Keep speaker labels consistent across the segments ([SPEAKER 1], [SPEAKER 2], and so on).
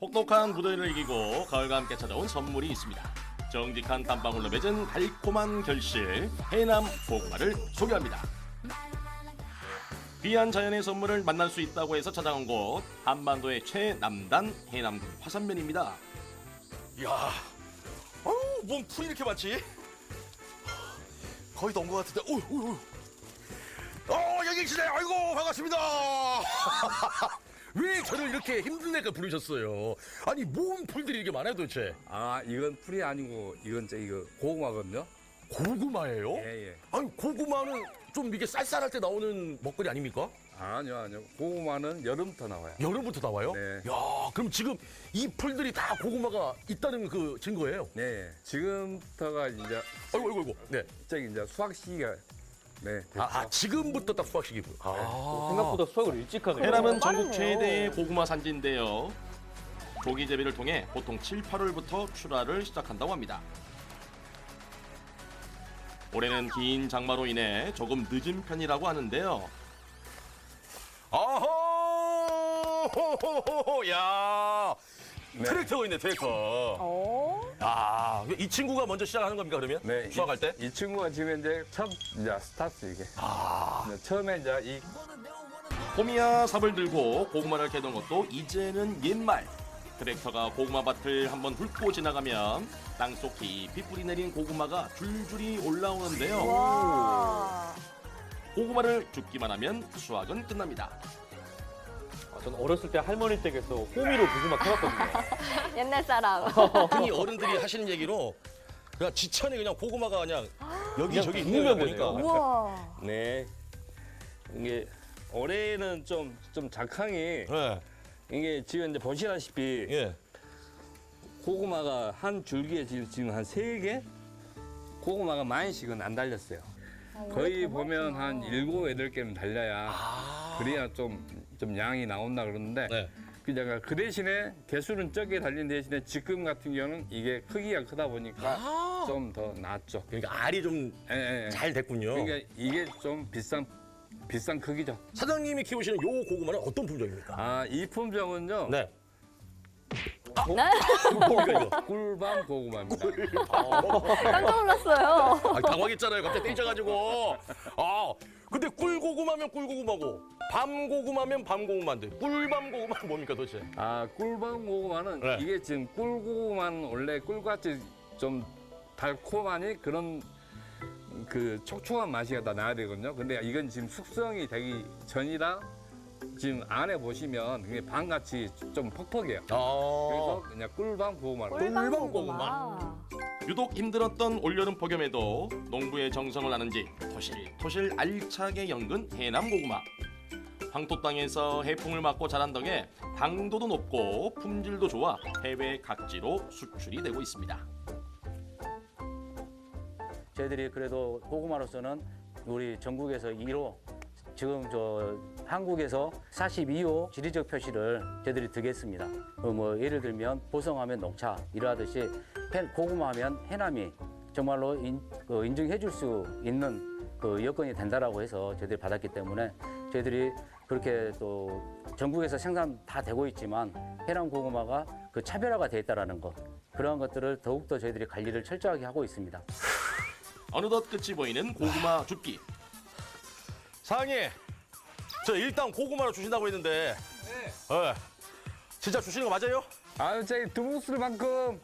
[SPEAKER 1] 혹독한 무더위를 이기고 가을과 함께 찾아온 선물이 있습니다. 정직한 땀방울로 맺은 달콤한 결실 해남 고구마를 소개합니다. 귀한 자연의 선물을 만날 수 있다고 해서 찾아온 곳 한반도의 최남단 해남군 화산면입니다.
[SPEAKER 2] 이야, 뭔 풀이 이렇게 많지? 거의 다 온 것 같은데, 여기 계시네. 아이고, 반갑습니다. 왜 저를 이렇게 힘든 애가 부르셨어요? 아니, 뭔 풀들이 이렇게 많아요, 도대체?
[SPEAKER 3] 아, 이건 풀이 아니고 이건 이거 고구마거든요.
[SPEAKER 2] 고구마예요?
[SPEAKER 3] 예.
[SPEAKER 2] 아니, 고구마는 좀 이게 쌀쌀할 때 나오는 먹거리 아닙니까?
[SPEAKER 3] 아니요. 고구마는 여름부터 나와요.
[SPEAKER 2] 여름부터 나와요?
[SPEAKER 3] 네.
[SPEAKER 2] 야, 그럼 지금 이 풀들이 다 고구마가 있다는 그 증거예요?
[SPEAKER 3] 네. 지금부터가 이제
[SPEAKER 2] 아이고. 네.
[SPEAKER 3] 저기 이제 수확 시기가 됐죠.
[SPEAKER 2] 지금부터 딱 수확 시기고.
[SPEAKER 4] 생각보다 수확을 일찍 하네요.
[SPEAKER 1] 해남은 전국 최대의 고구마 산지인데요. 조기 재배를 통해 보통 7, 8월부터 출하를 시작한다고 합니다. 올해는 긴 장마로 인해 조금 늦은 편이라고 하는데요.
[SPEAKER 2] 아호! 야,
[SPEAKER 3] 네.
[SPEAKER 2] 트랙터가 있네, 트랙터. 아, 이 친구가 먼저 시작하는 겁니까, 그러면?
[SPEAKER 3] 네.
[SPEAKER 2] 수확할 때?
[SPEAKER 3] 이 친구가 지금 이제 첫 이제 스타트 이게. 처음에 이제 이
[SPEAKER 1] 호미야 삽을 들고 고구마를 캐던 것도 이제는 옛말. 트랙터가 고구마 밭을 한번 훑고 지나가면 땅속 깊이 뿌리 내린 고구마가 줄줄이 올라오는데요.
[SPEAKER 5] 와.
[SPEAKER 1] 고구마를 줍기만 하면 수확은 끝납니다.
[SPEAKER 4] 저는 어렸을 때 할머니 댁에서 호미로 고구마 캐왔거든요.
[SPEAKER 5] 옛날 사람.
[SPEAKER 2] 흔히 어른들이 하시는 얘기로 그냥 지천에 그냥 고구마가 그냥 여기저기 있는 거
[SPEAKER 4] 굽으면
[SPEAKER 2] 보니까.
[SPEAKER 4] 되네요.
[SPEAKER 5] 우와.
[SPEAKER 3] 네. 이게 올해는 좀 작황이
[SPEAKER 2] 네.
[SPEAKER 3] 이게 지금 이제 보시다시피
[SPEAKER 2] 예.
[SPEAKER 3] 고구마가 한 줄기에 지금 한 3개 고구마가 많이씩은 안 달렸어요. 거의 보면 한 7, 8개는 달려야 그래야 좀 양이 나온다 그러는데
[SPEAKER 2] 네.
[SPEAKER 3] 그 대신에 개수는 적게 달린 대신에 지금 같은 경우는 이게 크기가 크다 보니까 좀 더 낫죠.
[SPEAKER 2] 그러니까 알이 좀 잘
[SPEAKER 3] 예.
[SPEAKER 2] 됐군요.
[SPEAKER 3] 그러니까 이게 좀 비싼 크기죠.
[SPEAKER 2] 사장님이 키우시는 요 고구마는 어떤 품종입니까?
[SPEAKER 3] 아, 이 품종은요.
[SPEAKER 2] 네.
[SPEAKER 3] 뭡니까 이거? 꿀밤 고구마입니다.
[SPEAKER 5] 깜짝 놀랐어요.
[SPEAKER 2] 당황했잖아요. 갑자기 땡쳐가지고. 근데 꿀고구마면 꿀고구마고 밤고구마면 밤고구마인데 꿀밤 고구마는 뭡니까 도대체?
[SPEAKER 3] 아, 꿀밤 고구마는
[SPEAKER 2] 네.
[SPEAKER 3] 이게 지금 꿀고구마는 원래 꿀같이 좀 달콤하니 그런 그 촉촉한 맛이 다 나야 되거든요. 근데 이건 지금 숙성이 되기 전이라 지금 안에 보시면 그게 밤같이 좀 퍽퍽해요. 그래서 그냥 꿀밤 고구마로.
[SPEAKER 5] 꿀밤
[SPEAKER 2] 꿀밤
[SPEAKER 5] 고구마.
[SPEAKER 1] 유독 힘들었던 올여름 폭염에도 농부의 정성을 아는지 토실토실 알차게 연근 해남 고구마. 황토 땅에서 해풍을 맞고 자란 덕에 당도도 높고 품질도 좋아 해외 각지로 수출이 되고 있습니다.
[SPEAKER 6] 저희들이 그래도 고구마로서는 우리 전국에서 1호, 지금 한국에서 42호 지리적 표시를 저희들이 드겠습니다. 뭐 예를 들면 보성하면 농차 이러하듯이 고구마하면 해남이 정말로 인증해 줄 수 있는 그 여건이 된다라고 해서 저희들이 받았기 때문에 저희들이 그렇게 또 전국에서 생산 다 되고 있지만 해남 고구마가 그 차별화가 돼 있다라는 것, 그러한 것들을 더욱더 저희들이 관리를 철저하게 하고 있습니다.
[SPEAKER 1] 어느덧 끝이 보이는 고구마 줍기.
[SPEAKER 2] 사장님, 저 일단 고구마를 주신다고 했는데 네. 진짜 주시는 거 맞아요?
[SPEAKER 3] 아유, 저기 두부술만큼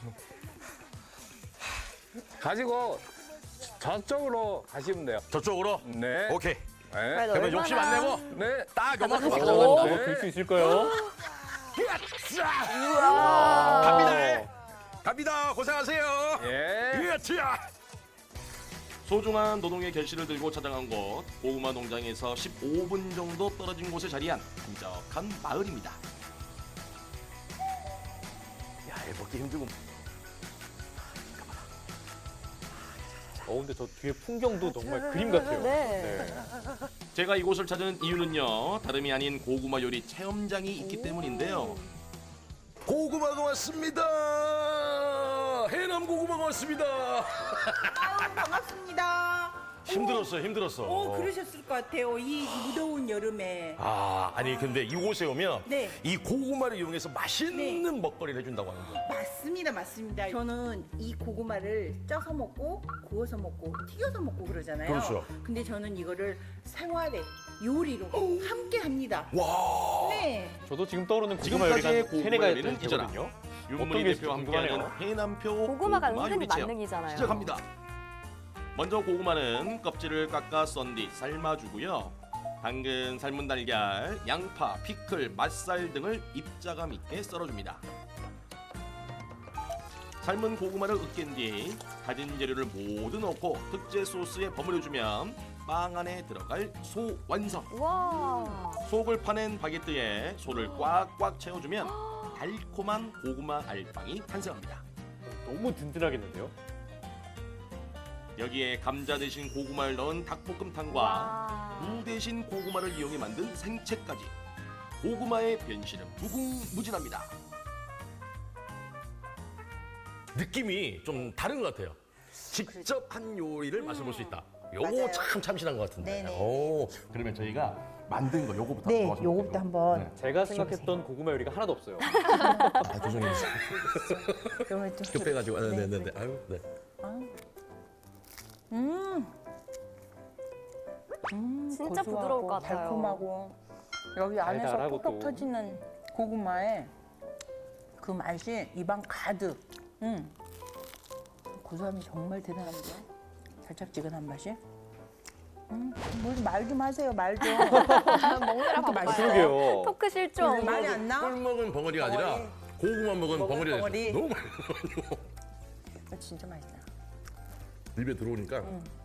[SPEAKER 3] 가지고 저쪽으로 가시면 돼요.
[SPEAKER 2] 저쪽으로?
[SPEAKER 3] 네.
[SPEAKER 2] 오케이.
[SPEAKER 3] 네.
[SPEAKER 2] 그러면 욕심 안 내고
[SPEAKER 3] 네.
[SPEAKER 2] 딱 요만큼
[SPEAKER 5] 잡아주세요.
[SPEAKER 2] 가져갑니다.
[SPEAKER 4] 이거 들 수 있을까요?
[SPEAKER 2] 갑니다. 갑니다. 고생하세요.
[SPEAKER 3] 예.
[SPEAKER 2] 자.
[SPEAKER 1] 소중한 노동의 결실을 들고 찾아간 곳 고구마 농장에서 15분 정도 떨어진 곳에 자리한 한적한 마을입니다.
[SPEAKER 2] 야, 이거 먹기 힘들고.
[SPEAKER 4] 근데 저 뒤에 풍경도 정말 그림 같아요.
[SPEAKER 5] 네.
[SPEAKER 1] 제가 이곳을 찾은 이유는요, 다름이 아닌 고구마 요리 체험장이 있기 때문인데요.
[SPEAKER 2] 고구마가 왔습니다. 해남 고구마가 왔습니다.
[SPEAKER 7] 반갑습니다.
[SPEAKER 2] 힘들었어요, 힘들었어.
[SPEAKER 7] 그러셨을 것 같아요. 이 무더운 여름에.
[SPEAKER 2] 아, 아니 근데 이곳에 오면
[SPEAKER 7] 네.
[SPEAKER 2] 이 고구마를 이용해서 맛있는 먹거리를 해준다고 하는데.
[SPEAKER 7] 맞습니다, 맞습니다. 저는 이 고구마를 쪄서 먹고, 구워서 먹고, 튀겨서 먹고 그러잖아요.
[SPEAKER 2] 그렇죠.
[SPEAKER 7] 근데 저는 이거를 생활에 요리로 함께 합니다.
[SPEAKER 2] 와.
[SPEAKER 7] 네.
[SPEAKER 4] 저도 지금 떠오르는 고구마 요리가
[SPEAKER 1] 지금까지의
[SPEAKER 4] 한
[SPEAKER 1] 고구마
[SPEAKER 4] 세네 가지
[SPEAKER 1] 요리는 이잖아.
[SPEAKER 4] 되거든요.
[SPEAKER 1] 윤문희
[SPEAKER 4] 어떤 게
[SPEAKER 1] 대표와
[SPEAKER 4] 있을지
[SPEAKER 1] 함께하는
[SPEAKER 4] 궁금하네요.
[SPEAKER 1] 해남표
[SPEAKER 5] 고구마가
[SPEAKER 1] 고구마
[SPEAKER 5] 은근히
[SPEAKER 1] 요리 체험
[SPEAKER 5] 만능이잖아요.
[SPEAKER 1] 시작합니다. 먼저 고구마는 껍질을 깎아 썬 뒤 삶아주고요. 당근, 삶은 달걀, 양파, 피클, 맛살 등을 입자감 있게 썰어줍니다. 삶은 고구마를 으깬 뒤 다진 재료를 모두 넣고 특제 소스에 버무려주면 빵 안에 들어갈 소 완성.
[SPEAKER 5] 와.
[SPEAKER 1] 속을 파낸 바게트에 소를 꽉꽉 채워주면 달콤한 고구마 알빵이 탄생합니다.
[SPEAKER 4] 너무 든든하겠는데요?
[SPEAKER 1] 여기에 감자 대신 고구마를 넣은 닭볶음탕과
[SPEAKER 5] 와.
[SPEAKER 1] 무 대신 고구마를 이용해 만든 생채까지 고구마의 변신은 무궁무진합니다.
[SPEAKER 2] 느낌이 좀 다른 것 같아요. 직접 한 요리를 맛을 수 있다. 요거
[SPEAKER 7] 맞아요.
[SPEAKER 2] 참 참신한 것 같은데.
[SPEAKER 7] 네네.
[SPEAKER 2] 오.
[SPEAKER 1] 그러면 저희가 만든 거 요거부터
[SPEAKER 7] 네,
[SPEAKER 1] 먹어서
[SPEAKER 7] 요거부터
[SPEAKER 1] 볼게요.
[SPEAKER 7] 한번.
[SPEAKER 4] 제가 생각했던 고구마 요리가 하나도 없어요.
[SPEAKER 2] 아, 죄송해요.
[SPEAKER 7] 그러면 좀.
[SPEAKER 2] 급해가지고. 아,
[SPEAKER 7] 네,
[SPEAKER 2] 네. 아유, 네.
[SPEAKER 5] 진짜 부드러울 것 같아요.
[SPEAKER 7] 달콤하고 여기 안에서
[SPEAKER 4] 달달하고
[SPEAKER 7] 톡톡
[SPEAKER 4] 또.
[SPEAKER 7] 터지는 고구마에 그 맛이 입안 가득. 고소함이 정말 대단합니다. 달짝지근한 맛이. 말 좀 하세요, 말 좀.
[SPEAKER 5] 먹느라 바빠요.
[SPEAKER 4] 그러게요.
[SPEAKER 5] 토크 실종.
[SPEAKER 7] 말이 안 나?
[SPEAKER 2] 꿀 먹은 벙어리가 아니라 고구마 먹은 벙어리가 됐어.
[SPEAKER 7] 벙어리.
[SPEAKER 2] 너무 맛있어.
[SPEAKER 7] 진짜 맛있다.
[SPEAKER 2] 입에 들어오니까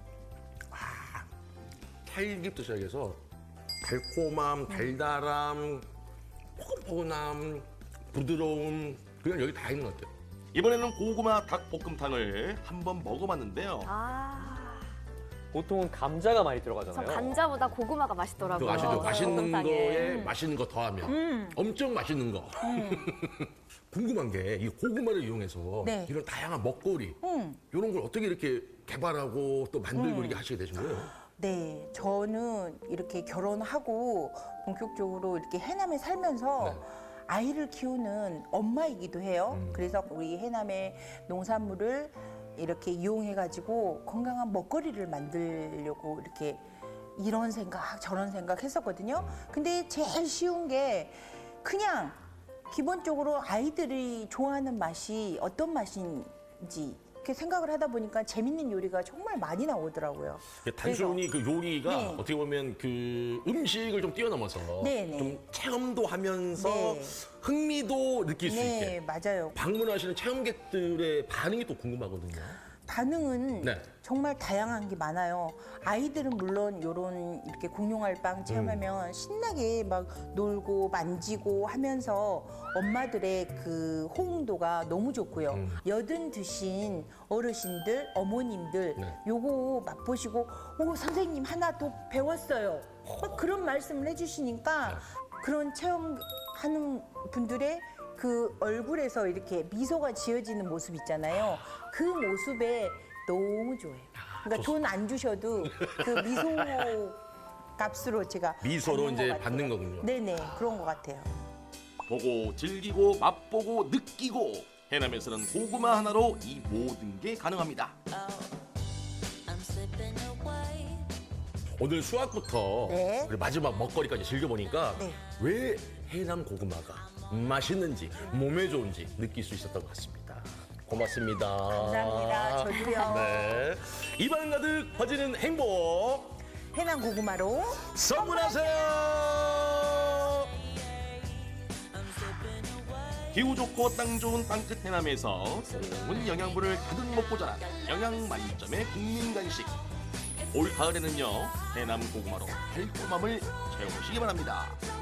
[SPEAKER 2] 살기부터 시작해서 달콤함, 달달함, 포근포근함, 부드러움 그냥 여기 다 있는 것 같아요.
[SPEAKER 1] 이번에는 고구마 닭볶음탕을 한번 먹어봤는데요.
[SPEAKER 5] 아.
[SPEAKER 4] 보통은 감자가 많이
[SPEAKER 5] 저
[SPEAKER 4] 들어가잖아요.
[SPEAKER 5] 감자보다 고구마가 맛있더라고요.
[SPEAKER 2] 그거 아시죠? 맛있는
[SPEAKER 5] 볶음탕에.
[SPEAKER 2] 거에 맛있는 거 더하면 엄청 맛있는 거. 궁금한 게 이 고구마를 이용해서
[SPEAKER 7] 네.
[SPEAKER 2] 이런 다양한 먹거리 이런 걸 어떻게 이렇게 개발하고 또 만들고 이렇게 하시게 되신 거예요?
[SPEAKER 7] 네, 저는 이렇게 결혼하고 본격적으로 이렇게 해남에 살면서 아이를 키우는 엄마이기도 해요. 그래서 우리 해남의 농산물을 이렇게 이용해가지고 건강한 먹거리를 만들려고 이렇게 이런 생각, 저런 생각 했었거든요. 근데 제일 쉬운 게 그냥 기본적으로 아이들이 좋아하는 맛이 어떤 맛인지 이렇게 생각을 하다 보니까 재밌는 요리가 정말 많이 나오더라고요.
[SPEAKER 2] 단순히 그 요리가
[SPEAKER 7] 네.
[SPEAKER 2] 어떻게 보면 그 음식을 좀 뛰어넘어서
[SPEAKER 7] 네네.
[SPEAKER 2] 좀 체험도 하면서
[SPEAKER 7] 네.
[SPEAKER 2] 흥미도 느낄 수
[SPEAKER 7] 네,
[SPEAKER 2] 있게
[SPEAKER 7] 맞아요.
[SPEAKER 2] 방문하시는 체험객들의 반응이 또 궁금하거든요.
[SPEAKER 7] 반응은
[SPEAKER 2] 네.
[SPEAKER 7] 정말 다양한 게 많아요. 아이들은 물론 요런 이렇게 공룡알빵 체험하면 신나게 막 놀고 만지고 하면서 엄마들의 그 호응도가 너무 좋고요. 여든 드신 어르신들, 어머님들
[SPEAKER 2] 네.
[SPEAKER 7] 요거 맛보시고 오 선생님 하나 더 배웠어요. 막 그런 말씀을 해주시니까 그런 체험하는 분들의 그 얼굴에서 이렇게 미소가 지어지는 모습 있잖아요. 그 모습에 너무 좋아요. 그러니까 돈 안 주셔도 그 미소 값으로 제가
[SPEAKER 2] 미소로
[SPEAKER 7] 받는
[SPEAKER 2] 이제
[SPEAKER 7] 것 같아요.
[SPEAKER 2] 받는 거군요.
[SPEAKER 7] 네네, 그런 것 같아요.
[SPEAKER 1] 보고 즐기고 맛보고 느끼고 해남에서는 고구마 하나로 이 모든 게 가능합니다.
[SPEAKER 2] 오늘 수학부터
[SPEAKER 7] 네.
[SPEAKER 2] 그리고 마지막 먹거리까지 즐겨보니까
[SPEAKER 7] 네.
[SPEAKER 2] 왜 해남 고구마가 맛있는지 몸에 좋은지 느낄 수 있었던 것 같습니다. 고맙습니다.
[SPEAKER 7] 감사합니다. 저도요.
[SPEAKER 2] 네. 입안 가득 퍼지는 행복
[SPEAKER 7] 해남 고구마로
[SPEAKER 2] 선물하세요.
[SPEAKER 1] 기후 좋고 땅 좋은 땅끝 해남에서 좋은 영양분을 가득 먹고 자란 영양 만점의 국민 간식. 올 가을에는요 해남 고구마로 달콤함을 채우시기 바랍니다.